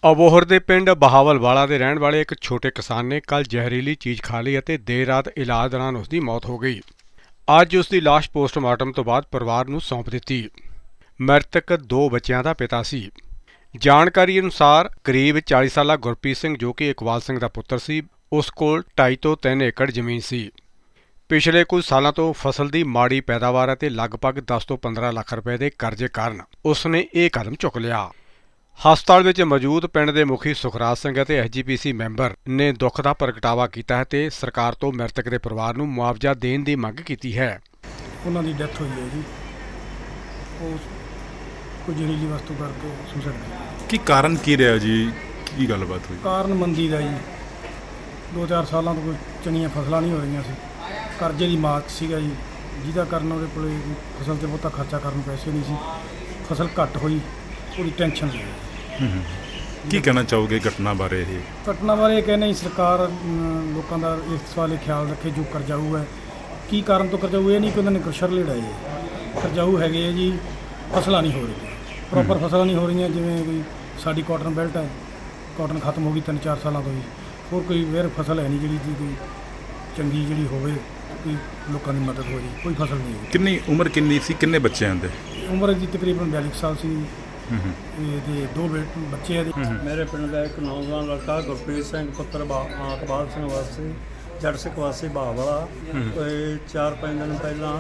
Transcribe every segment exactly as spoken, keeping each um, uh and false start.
ਅਬੋਹਰ ਦੇ ਪਿੰਡ ਬਹਾਵਲਵਾਲਾ ਦੇ ਰਹਿਣ ਵਾਲੇ ਇੱਕ ਛੋਟੇ ਕਿਸਾਨ ਨੇ ਕੱਲ੍ਹ ਜ਼ਹਿਰੀਲੀ ਚੀਜ਼ ਖਾ ਲਈ ਅਤੇ ਦੇਰ ਰਾਤ ਇਲਾਜ ਦੌਰਾਨ ਉਸ ਦੀ ਮੌਤ ਹੋ ਗਈ। ਅੱਜ ਉਸ ਦੀ ਲਾਸ਼ ਪੋਸਟਮਾਰਟਮ ਤੋਂ ਬਾਅਦ ਪਰਿਵਾਰ ਨੂੰ ਸੌਂਪ ਦਿੱਤੀ। ਮ੍ਰਿਤਕ ਦੋ ਬੱਚਿਆਂ ਦਾ ਪਿਤਾ ਸੀ। ਜਾਣਕਾਰੀ ਅਨੁਸਾਰ ਕਰੀਬ ਚਾਲੀ ਸਾਲਾ ਗੁਰਪ੍ਰੀਤ ਸਿੰਘ, ਜੋ ਕਿ ਇਕਬਾਲ ਸਿੰਘ ਦਾ ਪੁੱਤਰ ਸੀ, ਉਸ ਕੋਲ ਢਾਈ ਤੋਂ ਤਿੰਨ ਏਕੜ ਜ਼ਮੀਨ ਸੀ। ਪਿਛਲੇ ਕੁਝ ਸਾਲਾਂ ਤੋਂ ਫਸਲ ਦੀ ਮਾੜੀ ਪੈਦਾਵਾਰ ਅਤੇ ਲਗਭਗ ਦਸ ਤੋਂ ਪੰਦਰਾਂ ਲੱਖ ਰੁਪਏ ਦੇ ਕਰਜ਼ੇ ਕਾਰਨ ਉਸ ਨੇ ਇਹ ਕਦਮ ਚੁੱਕ ਲਿਆ। ਹਸਪਤਾਲ ਵਿੱਚ ਮੌਜੂਦ ਪਿੰਡ ਦੇ ਮੁਖੀ ਸੁਖਰਾਜ ਸਿੰਘ ਅਤੇ ਐਸ ਜੀ ਪੀ ਸੀ ਮੈਂਬਰ ਨੇ ਦੁੱਖ ਦਾ ਪ੍ਰਗਟਾਵਾ ਕੀਤਾ ਹੈ ਤੇ ਸਰਕਾਰ ਤੋਂ ਮ੍ਰਿਤਕ ਦੇ ਪਰਿਵਾਰ ਨੂੰ ਮੁਆਵਜ਼ਾ ਦੇਣ ਦੀ ਮੰਗ ਕੀਤੀ ਹੈ। ਉਹਨਾਂ ਦੀ ਡੈਥ ਹੋਈ ਹੈ ਜੀ, ਉਹ ਕੋਈ ਜ਼ਹਿਰੀਲੀ ਵਸਤੂ ਕਰਕੇ ਸੁਸਾਈਡ। ਕੀ ਕਾਰਨ ਕੀ ਰਿਹਾ ਜੀ? ਕੀ ਗੱਲਬਾਤ ਹੋਈ? ਕਾਰਨ ਮੰਦੀ ਦਾ ਜੀ, ਦੋ ਚਾਰ ਸਾਲਾਂ ਤੋਂ ਕੋਈ ਚੰਗੀਆਂ ਫਸਲਾਂ ਨਹੀਂ ਹੋ ਰਹੀਆਂ ਸੀ, ਕਰਜ਼ੇ ਦੀ ਮਾਤ ਸੀਗਾ ਜੀ, ਜਿਹਦਾ ਕਾਰਨ ਉਹਦੇ ਕੋਲ ਫਸਲ 'ਤੇ ਬਹੁਤਾ ਖਰਚਾ ਕਰਨ ਨੂੰ ਪੈਸੇ ਨਹੀਂ ਸੀ। ਫਸਲ ਘੱਟ ਹੋਈ, ਪੂਰੀ ਟੈਨਸ਼ਨ ਲਈ। ਕੀ ਕਹਿਣਾ ਚਾਹੋਗੇ ਘਟਨਾ ਬਾਰੇ? ਇਹ ਘਟਨਾ ਬਾਰੇ ਇਹ ਕਹਿੰਦੇ ਜੀ, ਸਰਕਾਰ ਅਮ, ਲੋਕਾਂ ਦਾ ਇਸ ਵਾਲੇ ਖਿਆਲ ਰੱਖੇ। ਜੋ ਕਰਜ਼ਾਊ ਹੈ, ਕੀ ਕਾਰਨ ਤੋਂ ਕਰਜ਼ਾਊ? ਇਹ ਨਹੀਂ ਕਿ ਉਹਨਾਂ ਨੇ ਕੁਛਰ ਲੜਾਏ ਹੈ। ਕਰਜ਼ਾਊ ਹੈਗੇ ਹੈ ਜੀ, ਫਸਲਾਂ ਨਹੀਂ ਹੋ ਰਹੀਆਂ, ਪ੍ਰੋਪਰ ਫਸਲਾਂ ਨਹੀਂ ਹੋ ਰਹੀਆਂ। ਜਿਵੇਂ ਕੋਈ ਸਾਡੀ ਕਾਟਨ ਬੈਲਟ ਹੈ, ਕਾਟਨ ਖਤਮ ਹੋ ਗਈ ਤਿੰਨ ਚਾਰ ਸਾਲਾਂ ਤੋਂ ਹੀ। ਹੋਰ ਕੋਈ ਵੇਰ ਫਸਲ ਹੈ ਨਹੀਂ ਜਿਹੜੀ ਦੀ ਕੋਈ ਚੰਗੀ ਜਿਹੜੀ ਹੋਵੇ, ਕੋਈ ਲੋਕਾਂ ਦੀ ਮਦਦ ਹੋ ਰਹੀ, ਕੋਈ ਫਸਲ ਨਹੀਂ ਹੋਈ। ਕਿੰਨੀ ਉਮਰ ਕਿੰਨੀ ਸੀ? ਕਿੰਨੇ ਬੱਚਿਆਂ ਦੇ? ਉਮਰ ਦੀ ਤਕਰੀਬਨ ਬਿਆਲੀ ਸਾਲ ਸੀ। ਇਹਦੇ ਦੋ ਬੇਟੇ ਬੱਚੇ ਆ। ਮੇਰੇ ਪਿੰਡ ਦਾ ਇੱਕ ਨੌਜਵਾਨ ਲੜਕਾ ਗੁਰਪ੍ਰੀਤ ਸਿੰਘ ਪੁੱਤਰ ਬਾ ਇਕਬਾਲ ਸਿੰਘ ਵਾਸੀ ਜੱਟ ਸਿੱਖ ਵਾਸੀ ਬਹਾਵਲਾ, ਕੋਈ ਚਾਰ ਪੰਜ ਦਿਨ ਪਹਿਲਾਂ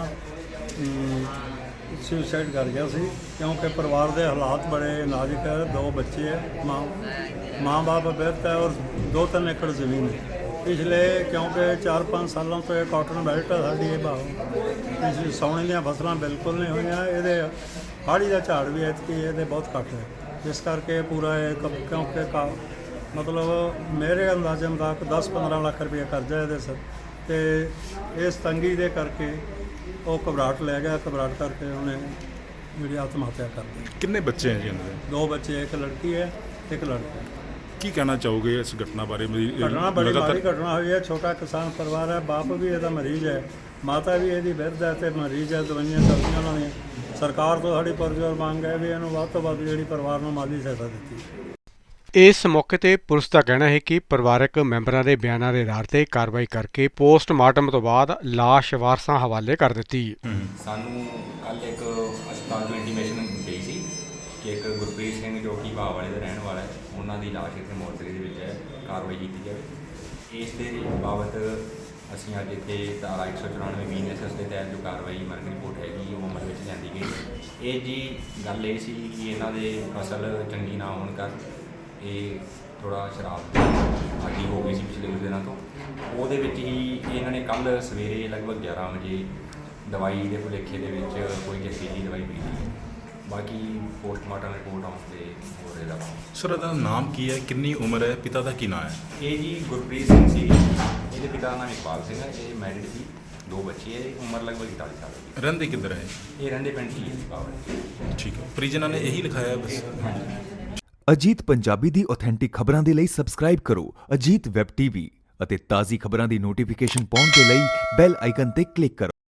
ਸੁਸਾਈਡ ਕਰ ਗਿਆ ਸੀ, ਕਿਉਂਕਿ ਪਰਿਵਾਰ ਦੇ ਹਾਲਾਤ ਬੜੇ ਨਾਜ਼ੁਕ ਹੈ। ਦੋ ਬੱਚੇ ਹੈ, ਮਾਂ ਮਾਂ ਬਾਪ ਬਿਰਧ ਹੈ ਔਰ ਦੋ ਤਿੰਨ ਏਕੜ ਜ਼ਮੀਨ ਹੈ। ਪਿਛਲੇ ਕਿਉਂਕਿ ਚਾਰ ਪੰਜ ਸਾਲਾਂ ਤੋਂ ਇਹ ਕਾਟਨ ਬੈਲਟ ਹੈ ਸਾਡੀ, ਇਹ ਭਾਵ ਪਿਛਲੀ ਸਾਉਣੀ ਦੀਆਂ ਫਸਲਾਂ ਬਿਲਕੁਲ ਨਹੀਂ ਹੋਈਆਂ। ਇਹਦੇ ਹਾੜੀ ਦਾ ਝਾੜ ਵੀ ਐਤਕੀ ਇਹਦੇ ਬਹੁਤ ਘੱਟ ਹੈ, ਇਸ ਕਰਕੇ ਪੂਰਾ ਇਹ ਕਿਉਂਕਿ ਕਾ ਮਤਲਬ ਮੇਰੇ ਅੰਦਾਜ਼ੇ ਮੁਤਾਬਕ ਦਸ ਪੰਦਰਾਂ ਲੱਖ ਰੁਪਏ ਕਰਜ਼ਾ ਇਹਦੇ ਸਿਰ, ਅਤੇ ਇਸ ਤੰਗੀ ਦੇ ਕਰਕੇ ਉਹ ਘਬਰਾਹਟ ਲੈ ਗਿਆ। ਘਬਰਾਹਟ ਕਰਕੇ ਉਹਨੇ ਜਿਹੜੀ ਆਤਮ ਹੱਤਿਆ ਕਰ ਦਿੱਤੀ। ਕਿੰਨੇ ਬੱਚੇ ਹੈ ਜੀ ਇਹਨਾਂ ਦੇ? ਦੋ ਬੱਚੇ, ਇੱਕ ਲੜਕੀ ਹੈ ਇੱਕ ਲੜਕਾ। ਕੀ ਕਹਿਣਾ ਚਾਹੋਗੇ ਇਸ ਘਟਨਾ ਬਾਰੇ? ਘਟਨਾ ਬੜੀ ਮਾੜੀ ਘਟਨਾ ਹੋਈ ਹੈ। ਛੋਟਾ ਕਿਸਾਨ ਪਰਿਵਾਰ ਹੈ, ਬਾਪ ਵੀ ਇਹਦਾ ਮਰੀਜ਼ ਹੈ, ਮਾਤਾ ਵੀ ਇਹਦੀ ਬਿਰਧ ਹੈ ਅਤੇ ਮਰੀਜ਼ ਹੈ। ਦਵਾਈਆਂ ਚੱਲਦੀਆਂ ਉਹਨਾਂ ਦੀਆਂ। ਸਰਕਾਰ ਤੋਂ ਸਾਡੀ ਪੁਰਜ਼ੋਰ ਮੰਗ ਹੈ ਵੀ ਇਹਨੂੰ ਵੱਧ ਤੋਂ ਵੱਧ ਜਿਹੜੀ ਪਰਿਵਾਰ ਨੂੰ ਮਾਲੀ ਸਹਾਇਤਾ ਦਿੱਤੀ। ਇਸ ਮੌਕੇ ਤੇ ਪੁਲਿਸ ਦਾ ਕਹਿਣਾ ਹੈ ਕਿ ਪਰਿਵਾਰਕ ਮੈਂਬਰਾਂ ਦੇ ਬਿਆਨਾਂ ਦੇ ਆਧਾਰ ਤੇ ਕਾਰਵਾਈ ਕਰਕੇ ਪੋਸਟਮਾਰਟਮ ਤੋਂ ਬਾਅਦ ਲਾਸ਼ ਵਾਰਸਾਂ ਹਵਾਲੇ ਕਰ ਦਿੱਤੀ। ਸਾਨੂੰ ਕੱਲ੍ਹ ਇੱਕ ਹਸਪਤਾਲ ਤੋਂ ਇੰਟੀਮੇਸ਼ਨ ਗਈ ਸੀ ਕਿ ਇੱਕ ਗੁਰਪ੍ਰੀਤ ਸਿੰਘ, ਜੋ ਕਿ ਬਹਾਵਲੇ ਦਾ ਰਹਿਣ ਵਾਲਾ ਹੈ, ਉਹਨਾਂ ਦੀ ਲਾਸ਼ ਇੱਥੇ ਮੋਰਚਰੀ ਦੇ ਵਿੱਚ ਹੈ, ਕਾਰਵਾਈ ਕੀਤੀ ਜਾਵੇ। ਇਸ ਦੇ ਬਾਬਤ ਅਸੀਂ ਅੱਜ ਇੱਥੇ ਧਾਰਾ ਇੱਕ ਸੌ ਚੁਰਾਨਵੇਂ ਬੀ ਐਨ ਐਸ ਐਸ ਦੇ ਤਹਿਤ ਜੋ ਕਾਰਵਾਈ ਮਰਨ ਰਿਪੋਰਟ ਹੈਗੀ ਉਹ ਅਮਲ ਵਿੱਚ ਲਿਆਂਦੀ ਗਈ। ਇਹ ਜੀ ਗੱਲ ਇਹ ਸੀ ਕਿ ਇਹਨਾਂ ਦੇ ਫਸਲ ਚੰਗੀ ਨਾ ਹੋਣ ਕਾਰਨ ਇਹ ਥੋੜ੍ਹਾ ਸ਼ਰਾਬ ਆਦੀ ਹੋ ਗਈ ਸੀ ਪਿਛਲੇ ਕੁਝ ਦਿਨਾਂ ਤੋਂ। ਉਹਦੇ ਵਿੱਚ ਹੀ ਇਹਨਾਂ ਨੇ ਕੱਲ੍ਹ ਸਵੇਰੇ ਲਗਭਗ ਗਿਆਰਾਂ ਵਜੇ ਦਵਾਈ ਦੇ ਭੁਲੇਖੇ ਦੇ ਵਿੱਚ ਕੋਈ ਜ਼ਹਿਰੀਲੀ ਦਵਾਈ ਪੀ ਲਈ। ਬਾਕੀ ਪੋਸਟਮਾਰਟਮ ਰਿਪੋਰਟ ਆਉਣ 'ਤੇ ਹੋ ਰਿਹਾ। ਸਰ, ਇਹਦਾ ਨਾਮ ਕੀ ਹੈ? ਕਿੰਨੀ ਉਮਰ ਹੈ? ਪਿਤਾ ਦਾ ਕੀ ਨਾਮ ਹੈ? ਇਹ ਜੀ ਗੁਰਪ੍ਰੀਤ ਸਿੰਘ ਸੀ, ਇਹਦੇ ਪਿਤਾ ਦਾ ਨਾਮ ਇਕਬਾਲ ਸਿੰਘ ਹੈ। ਇਹ ਮੈਰਿਡ ਸੀ, ਦੋ ਬੱਚੇ ਹੈ, ਉਮਰ ਲਗਭਗ ਇਕਤਾਲੀ ਸਾਲ ਦੀ। ਰਹਿੰਦੇ ਕਿੱਧਰ ਹੈ? ਇਹ ਰਹਿੰਦੇ ਪਿੰਡ ਹੀ ਹੈ ਬਾਬਾ। ਠੀਕ ਹੈ, ਪਰਿਜਨਾਂ ਨੇ ਇਹੀ ਲਿਖਾਇਆ ਬਸ। ਅਜੀਤ ਪੰਜਾਬੀ ਦੀ ਆਥੈਂਟਿਕ ਖਬਰਾਂ ਦੇ ਲਈ ਸਬਸਕ੍ਰਾਈਬ ਕਰੋ ਅਜੀਤ ਵੈਬ ਟੀਵੀ ਅਤੇ ਤਾਜ਼ੀ ਖਬਰਾਂ ਦੀ ਨੋਟੀਫਿਕੇਸ਼ਨ ਪਾਉਣ ਦੇ ਲਈ ਬੈਲ ਆਈਕਨ ਤੇ ਕਲਿੱਕ ਕਰੋ।